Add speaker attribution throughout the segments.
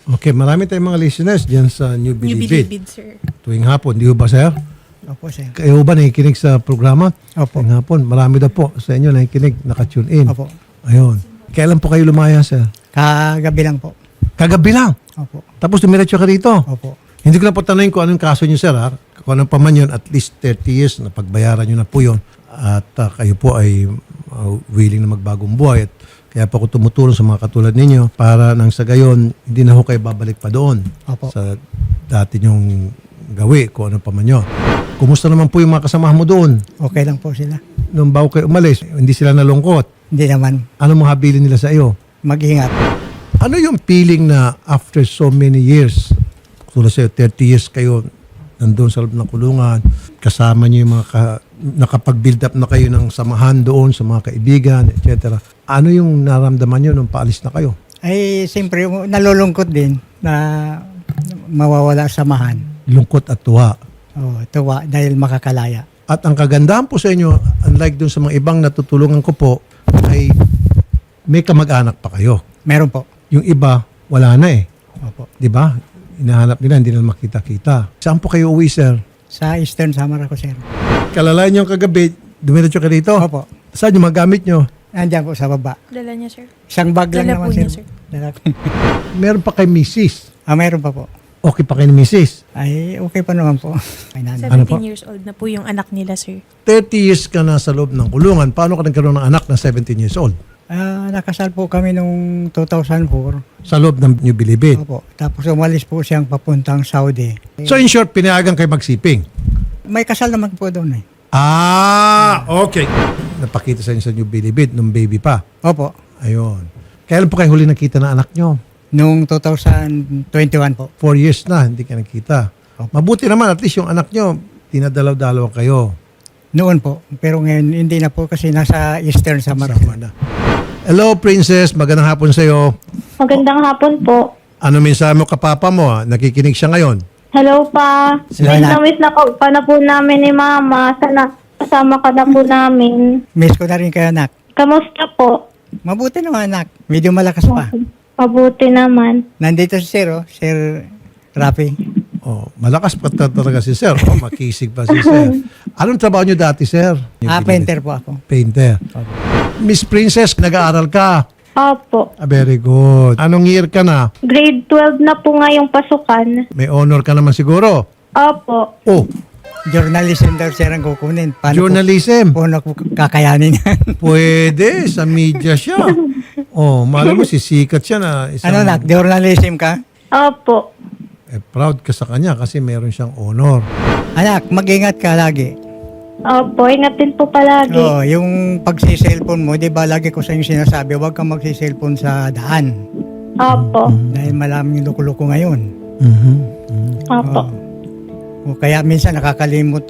Speaker 1: Okay, marami tayong mga listeners dyan sa New
Speaker 2: New
Speaker 1: Bilibid.
Speaker 2: Bilibid, sir.
Speaker 1: Tuwing hapon, di ba sir?
Speaker 3: Opo, sir.
Speaker 1: Kayo ba nakikinig sa programa?
Speaker 3: Opo.
Speaker 1: Tuwing hapon, marami daw po sa inyo nakikinig, nakatune in.
Speaker 3: Opo.
Speaker 1: Ayun. Kailan po kayo lumaya sir?
Speaker 3: Kagabi lang po.
Speaker 1: Kagabi lang.
Speaker 3: Opo.
Speaker 1: Tapos dumiretso ka rito.
Speaker 3: Opo.
Speaker 1: Hindi ko na po tanongin kung anong kaso nyo sir ha. Kung anong pa man yun, at least 30 years na pagbayaran nyo na po yun. At kayo po ay willing na magbagong buhay. At kaya po ako tumutulong sa mga katulad ninyo para nang sa gayon, hindi na ho kayo babalik pa doon
Speaker 3: Opo.
Speaker 1: sa dati nyong gawi, kung ano pa man yun. Kumusta naman po yung mga kasamahan mo doon?
Speaker 3: Okay lang po sila.
Speaker 1: Nung bago kayo umalis, hindi sila nalungkot.
Speaker 3: Hindi naman.
Speaker 1: Ano mga habilin nila sa iyo?
Speaker 3: Mag-ingat.
Speaker 1: Ano yung feeling na after so many years, tulad sa'yo, 30 years kayo nandun sa loob ng kulungan, kasama niyo yung mga nakapag-build up na kayo ng samahan doon sa mga kaibigan, etc. Ano yung naramdaman niyo nung paalis na kayo?
Speaker 3: Ay, siyempre, nalulungkot din na mawawala samahan.
Speaker 1: Lungkot at tuwa.
Speaker 3: Oh, tuwa dahil makakalaya.
Speaker 1: At ang kagandahan po sa inyo, unlike dun sa mga ibang natutulungan ko po, ay may kamag-anak pa kayo.
Speaker 3: Meron po.
Speaker 1: Yung iba, wala na eh.
Speaker 3: Opo.
Speaker 1: Di ba? Hinahanap nila, hindi na makita-kita. Saan po kayo uwi, sir?
Speaker 3: Sa Eastern Samar ako, sir.
Speaker 1: Kalalayan niyo kagabi, dumiretso ka dito?
Speaker 3: Opo.
Speaker 1: Saan yung mga gamit niyo?
Speaker 3: Nandiyan po sa baba.
Speaker 2: Dala niya, sir.
Speaker 3: Isang bag lang
Speaker 2: Dala
Speaker 3: naman,
Speaker 2: po
Speaker 3: sir.
Speaker 2: niya, sir.
Speaker 3: Dala ko.
Speaker 1: Meron pa kay Mrs.
Speaker 3: Meron pa po.
Speaker 1: Okay pa kay ni Mrs.
Speaker 3: Ay, okay pa naman po. May nanay.
Speaker 2: 17
Speaker 1: Ano po?
Speaker 2: years old na po yung anak nila, sir.
Speaker 1: 30 years ka na sa loob ng kulungan. Paano ka nagkaroon ng anak na 17 years old?
Speaker 3: Nakasal po kami nung 2004.
Speaker 1: Sa loob ng New Bilibid.
Speaker 3: Opo. Tapos umalis po siyang papuntang Saudi.
Speaker 1: So in short, pinayagan kayo magsiping?
Speaker 3: May kasal naman po doon eh.
Speaker 1: Okay. Napakita sa inyo sa New Bilibid nung baby pa.
Speaker 3: Opo.
Speaker 1: Ayun. Kailan po kayo huli nakita ng anak nyo?
Speaker 3: Nung 2021 po.
Speaker 1: 4 years na, hindi ka nakita. Mabuti naman, at least yung anak nyo, tinadalaw-dalaw kayo.
Speaker 3: Noon po. Pero ngayon hindi na po kasi nasa Eastern Samar.
Speaker 1: Sama na. Hello, Princess. Magandang hapon sa'yo.
Speaker 4: Magandang hapon po.
Speaker 1: Ano mensahe mo kapapa mo? Nakikinig siya ngayon.
Speaker 4: Hello pa.
Speaker 3: Hello, Anak.
Speaker 4: Miss na pa na po namin ni Mama. Sana kasama ka na po namin.
Speaker 3: Miss ko na rin kayo, anak.
Speaker 4: Kamusta po?
Speaker 3: Mabuti naman, anak. Medyo malakas pa.
Speaker 4: Mabuti naman.
Speaker 3: Nandito si Sir, Sir Rafi.
Speaker 1: Oh, malakas pa talaga si Sir. Oh, makisig pa si Sir. Anong trabaho niyo dati, Sir?
Speaker 3: Painter po ako.
Speaker 1: Painter. Miss Princess, nag-aaral ka.
Speaker 4: Opo.
Speaker 1: Very good. Anong year ka na?
Speaker 4: Grade 12 na po ngayong pasukan.
Speaker 1: May honor ka naman siguro.
Speaker 4: Opo.
Speaker 1: Oh,
Speaker 3: Journalism daw Sir ang kukunin. Paano
Speaker 1: journalism.
Speaker 3: po ko kakayanin yan?
Speaker 1: Pwede, sa media siya. Oh, malam mo, sisikat siya na isang...
Speaker 3: Ano, anak? Journalism ka?
Speaker 4: Opo.
Speaker 1: proud ka sa kanya kasi meron siyang honor.
Speaker 3: Anak, mag-ingat ka lagi.
Speaker 4: Opo, ingatin po palagi.
Speaker 3: Oh, yung pagsi-cellphone mo, di ba lagi ko sa inyo sinasabi, huwag kang magsi-cellphone sa daan.
Speaker 4: Opo.
Speaker 3: Dahil malaming yung loko-loko ngayon.
Speaker 4: Opo.
Speaker 3: O kaya minsan nakakalimot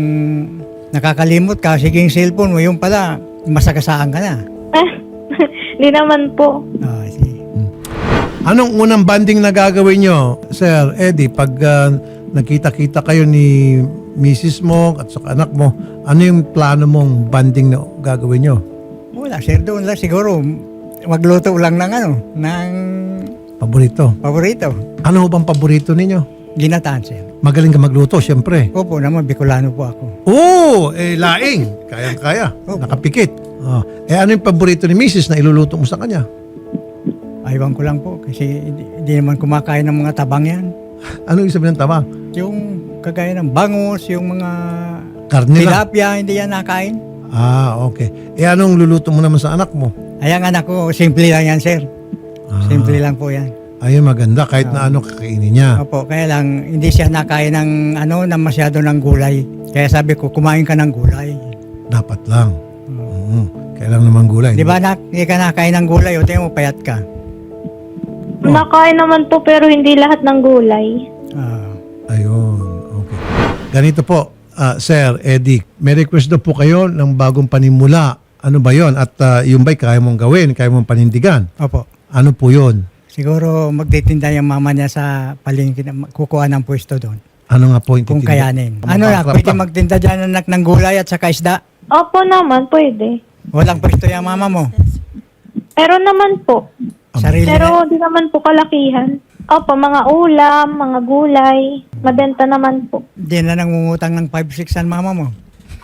Speaker 3: ka, sige yung cellphone mo, yung pala, masagasaan ka na.
Speaker 4: Hindi naman po.
Speaker 3: Oh, sige.
Speaker 1: Anong unang banding na gagawin nyo, Sir Eddie, pag nakita-kita kayo ni Mrs. mo at sa anak mo, ano yung plano mong banding na gagawin nyo?
Speaker 3: Wala, sir, doon lang siguro. Magluto lang ng
Speaker 1: Paborito.
Speaker 3: paborito.
Speaker 1: Ano bang paborito ninyo?
Speaker 3: Ginataan, sir.
Speaker 1: Magaling ka magluto, syempre.
Speaker 3: Opo naman, Bicolano po ako.
Speaker 1: Laing. Kayang-kaya.
Speaker 3: Opo.
Speaker 1: Nakapikit. Ano yung paborito ni Mrs. na iluluto mo sa kanya?
Speaker 3: Aywan ko lang po, kasi hindi naman kumakain ng mga tabang yan.
Speaker 1: Ano yung sabihin ng tabang?
Speaker 3: Yung kagaya ng bangus, yung mga
Speaker 1: Karne lang.
Speaker 3: tilapia, hindi yan nakain.
Speaker 1: Okay. Anong luluto mo naman sa anak mo?
Speaker 3: Ayan anak ko, simple lang yan, sir. Simple lang po yan.
Speaker 1: Ayun, maganda. Kahit na ano kakainin niya.
Speaker 3: Opo, kaya lang hindi siya nakain ng ng masyado ng gulay. Kaya sabi ko, kumain ka ng gulay.
Speaker 1: Dapat lang. Kailang naman gulay.
Speaker 3: Di ba anak, hindi ka nakain ng gulay, o tingnan mo, payat ka.
Speaker 4: Nakain naman po pero hindi lahat ng gulay.
Speaker 1: Ayun. Okay. Ganito po, Sir Eddie. May request daw po kayo ng bagong panimula. Ano ba yon? At yung ba'y kaya mong gawin? Kaya mong panindigan?
Speaker 3: Opo.
Speaker 1: Ano po yon?
Speaker 3: Siguro magtitinda yung mama niya sa palengke, kukuha ng pwesto doon.
Speaker 1: Ano nga po yung
Speaker 3: Kung
Speaker 1: titinda?
Speaker 3: kayanin. Ano na,
Speaker 1: Makakrap
Speaker 3: pwede
Speaker 1: ka.
Speaker 3: magtinda dyan anak ng gulay at saka isda.
Speaker 4: Opo naman, pwede.
Speaker 3: Walang pwesto yung mama mo.
Speaker 4: Pero naman po.
Speaker 3: Sarili
Speaker 4: Pero
Speaker 3: na.
Speaker 4: di naman po kalakihan. Opo, mga ulam, mga gulay. Mabenta naman po.
Speaker 3: Hindi na nangungutang ng 5-6 ang mama mo.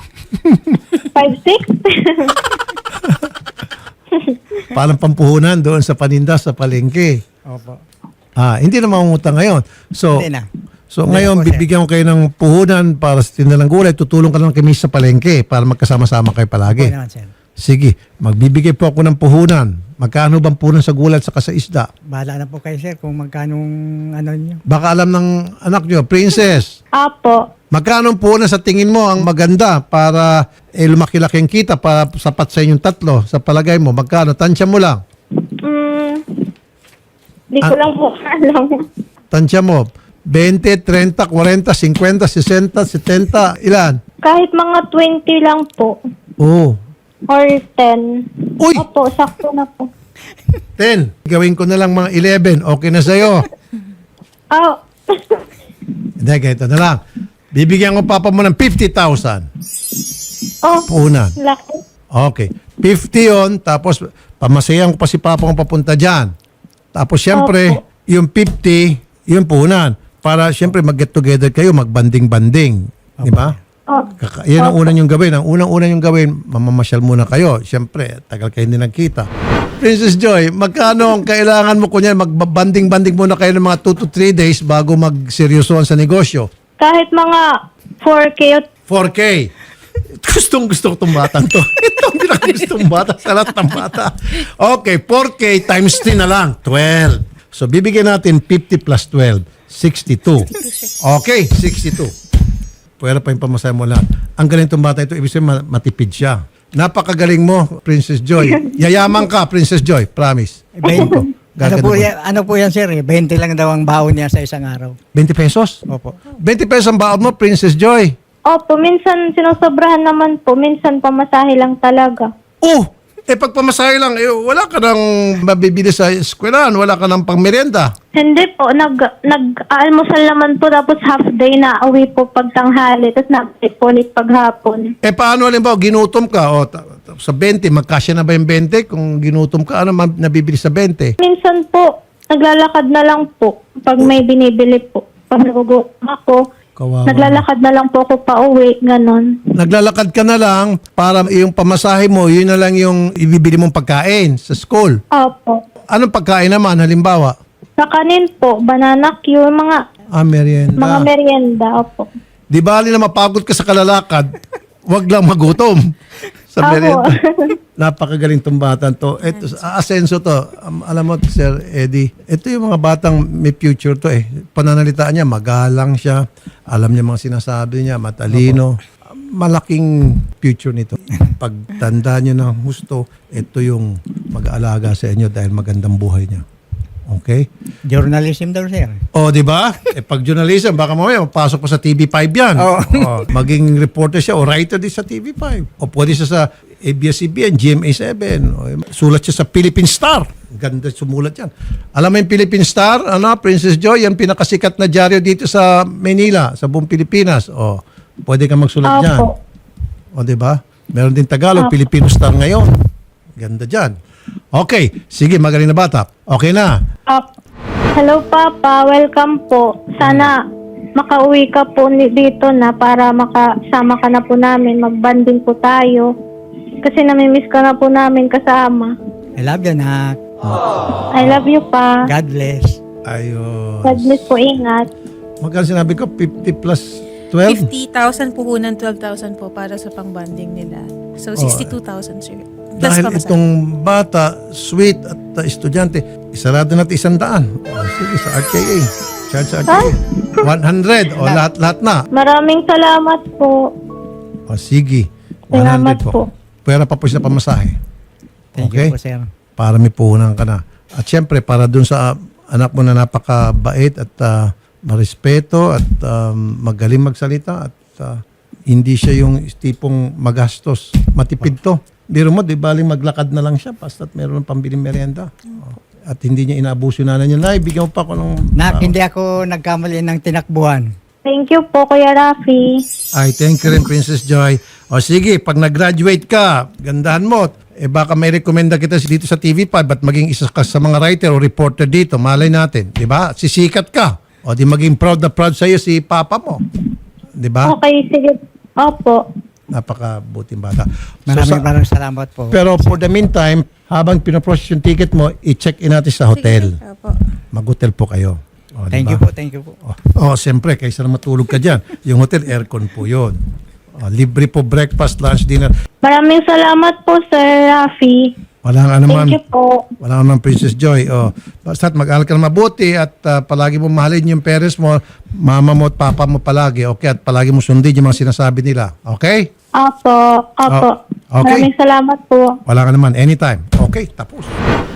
Speaker 4: 5-6?
Speaker 1: Parang pampuhunan doon sa paninda sa palengke.
Speaker 3: Opo.
Speaker 1: Hindi na mangungutang ngayon. So,
Speaker 3: Hindi na.
Speaker 1: so
Speaker 3: Hindi
Speaker 1: ngayon,
Speaker 3: na po, sir.
Speaker 1: bibigyan ko kayo ng puhunan para sa tinda ng gulay. Tutulong ka lang kami sa palengke para magkasama-sama kayo palagi.
Speaker 3: Okay naman, sir.
Speaker 1: Sige, magbibigay po ako ng puhunan. Magkano bang puhunan sa gulay at saka sa isda?
Speaker 3: Bahala na po kayo, sir, kung magkano ano niyo.
Speaker 1: Baka alam ng anak nyo, Princess,
Speaker 4: Opo.
Speaker 1: magkano ang puhunan sa tingin mo ang maganda para lumaki-laki ang kita para sapat sa inyong tatlo? Sa palagay mo, magkano? Tansya mo lang.
Speaker 4: Di ko lang po alam.
Speaker 1: Tansya mo. 20, 30, 40, 50, 60, 70, ilan?
Speaker 4: Kahit mga 20 lang po.
Speaker 1: Oo.
Speaker 4: Or 10.
Speaker 1: Uy!
Speaker 4: Opo, sakto na po.
Speaker 1: 10. Gawin ko na lang mga 11. Okay na sa'yo.
Speaker 4: Oh.
Speaker 1: Hindi, ganito na lang. Bibigyan ko papa mo ng 50,000.
Speaker 4: Oh,
Speaker 1: Puhunan.
Speaker 4: laki.
Speaker 1: Okay. 50 yon, tapos pamasayan ko pa si papa kung papunta dyan. Tapos syempre, yung 50, yung puhunan. Para syempre mag-get together kayo, mag-banding-banding. Di ba?
Speaker 4: Oh.
Speaker 1: Yan ang unang yung gawin. Ang unang yung gawin, mamamasyal muna kayo. Syempre, tagal kayo hindi nagkita. Princess Joy, magkano ang kailangan mo kunyan? Magbanding-banding muna kayo ng mga 2 to 3 days bago magseryosohan sa negosyo.
Speaker 4: Kahit mga 4K o
Speaker 1: 4K. Gusto ko itong batang to. Ito ang pinakagustong bata sa lahat ng bata. Okay, 4K times 3 na lang. 12. So, bibigyan natin 50 plus 12. 62. Okay, 62. Pwera pa yung pamasahe mo lahat. Ang galing itong bata ito, ibig sabihin matipid siya. Napakagaling mo, Princess Joy. Yayaman ka, Princess Joy. Promise.
Speaker 3: Ano
Speaker 1: Gaganda
Speaker 3: po,
Speaker 1: mo.
Speaker 3: ano po yan, sir? 20 lang daw ang baon niya sa isang araw.
Speaker 1: 20 pesos?
Speaker 3: Opo.
Speaker 1: 20 pesos ang baon mo, Princess Joy.
Speaker 4: Opo, minsan sinusobrahan naman po. Minsan pamasahe lang talaga.
Speaker 1: Oh, pag pamasahe lang, wala ka nang mabibili sa eskwelahan, wala ka nang pangmerienda.
Speaker 4: Hindi po, nag-almusal naman po tapos half day na uwi po pag tanghali tapos nag-break po ulit paghapon.
Speaker 1: Paano halimbawa, ginutom ka, sa 20, magkasya na ba yung 20? Kung ginutom ka, ano nabibili sa 20?
Speaker 4: Minsan po, naglalakad na lang po pag may binibili po. Pag nagugutom ako,
Speaker 1: Kawawa.
Speaker 4: naglalakad na lang po ako pa uwi, ganon.
Speaker 1: Naglalakad ka na lang para yung pamasahe mo, yun na lang yung ibibili mong pagkain sa school.
Speaker 4: Opo.
Speaker 1: Anong pagkain naman, halimbawa?
Speaker 4: Sa kanin po, banana Q,
Speaker 1: Merienda.
Speaker 4: mga merienda, opo.
Speaker 1: Di bali na mapagod ka sa kalalakad, wag lang magutom sa
Speaker 4: Opo.
Speaker 1: merienda. Napakagaling tong batang to. Ito, asenso to. Alam mo, Sir Eddie, ito yung mga batang may future to eh. Pananalitaan niya, magalang siya. Alam niya mga sinasabi niya, matalino. Malaking future nito. Pagtanda niyo ng husto, ito yung mag-aalaga sa inyo dahil magandang buhay niya. Okay?
Speaker 3: Journalism daw, sir.
Speaker 1: O, di ba? Pag journalism, baka mamaya mapasok pa sa TV5 yan.
Speaker 3: Oo.
Speaker 1: O, maging reporter siya o writer din sa TV5. O pwede siya sa ABS-CBN, GMA7. O, sulat siya sa Philippine Star. Ganda sumulat yan. Alam mo yung Philippine Star, Princess Joy, yung pinakasikat na dyaryo dito sa Manila, sa buong Pilipinas. O, pwede ka magsulat dyan.
Speaker 4: Opo.
Speaker 1: O, di ba? Meron din Tagalog, Filipino Star ngayon. Ganda dyan. Okay, sige, magaling na bata. Okay na.
Speaker 4: Hello, Papa. Welcome po. Sana makauwi ka po dito na para makasama ka na po namin. Magbanding po tayo. Kasi namimiss ka na po namin kasama.
Speaker 3: I love you, nak.
Speaker 4: I love you, pa.
Speaker 3: God bless.
Speaker 1: Ayos.
Speaker 4: God bless po. Ingat.
Speaker 1: Magkano sinabi ko? 50 plus 12?
Speaker 2: 50,000 puhunan, 12,000 po para sa pang-bonding nila. So, 62,000, sir. Plus
Speaker 1: Dahil
Speaker 2: pamasahe.
Speaker 1: itong bata, sweet at estudyante, isarado natin 100. O, sige, sa RKA. Charge sa RKA. 100. O, lahat na.
Speaker 4: Maraming salamat po.
Speaker 1: O, sige. 100
Speaker 4: Salamat
Speaker 1: po.
Speaker 4: po.
Speaker 1: Pwera pa po siya pamasahe.
Speaker 3: Thank
Speaker 1: Okay?
Speaker 3: you po, sir.
Speaker 1: Para may puhunan ka na. At syempre, para dun sa anak mo na napakabait at marespeto at magaling magsalita at hindi siya yung tipong magastos. Matipid to. Biro mo, di baling maglakad na lang siya basta't meron ng pambiling merienda. At hindi niya inaabuso yung nanay niya. Nay, bigyan mo pa ako ng...
Speaker 3: Nak, hindi ako nagkamali ng tinakbuhan.
Speaker 4: Thank you po, Kuya Rafi.
Speaker 1: Ay, thank you rin, Princess Joy. O sige, pag nag-graduate ka, gandahan mo. baka may rekomenda kita dito sa TV5 at maging isa ka sa mga writer o reporter dito. Malay natin, di ba? Sisikat ka. O di maging proud na proud sa'yo si papa mo. Di ba?
Speaker 4: Okay, sige. Opo.
Speaker 1: Napakabuting bata.
Speaker 3: Maraming salamat po.
Speaker 1: Pero for the meantime, habang pinoprocess yung ticket mo, i-check in natin sa hotel.
Speaker 2: Sige, opo.
Speaker 1: Mag-hotel po kayo. O,
Speaker 3: Thank
Speaker 1: diba?
Speaker 3: you po.
Speaker 1: Siyempre, kaysa na matulog ka dyan. Yung hotel, aircon po yun. Libre po breakfast, lunch, dinner.
Speaker 4: Maraming salamat po, Sir Rafi.
Speaker 1: Walang anuman.
Speaker 4: Thank you po.
Speaker 1: Walang anuman, Princess Joy. Basta't mag-aral ka na mabuti at palagi mo mahalin yung parents mo, mama mo at papa mo palagi. Okay? At palagi mo sundin yung mga sinasabi nila. Okay?
Speaker 4: Opo.
Speaker 1: Okay.
Speaker 4: Maraming salamat po.
Speaker 1: Walang anuman. Anytime. Okay, tapos.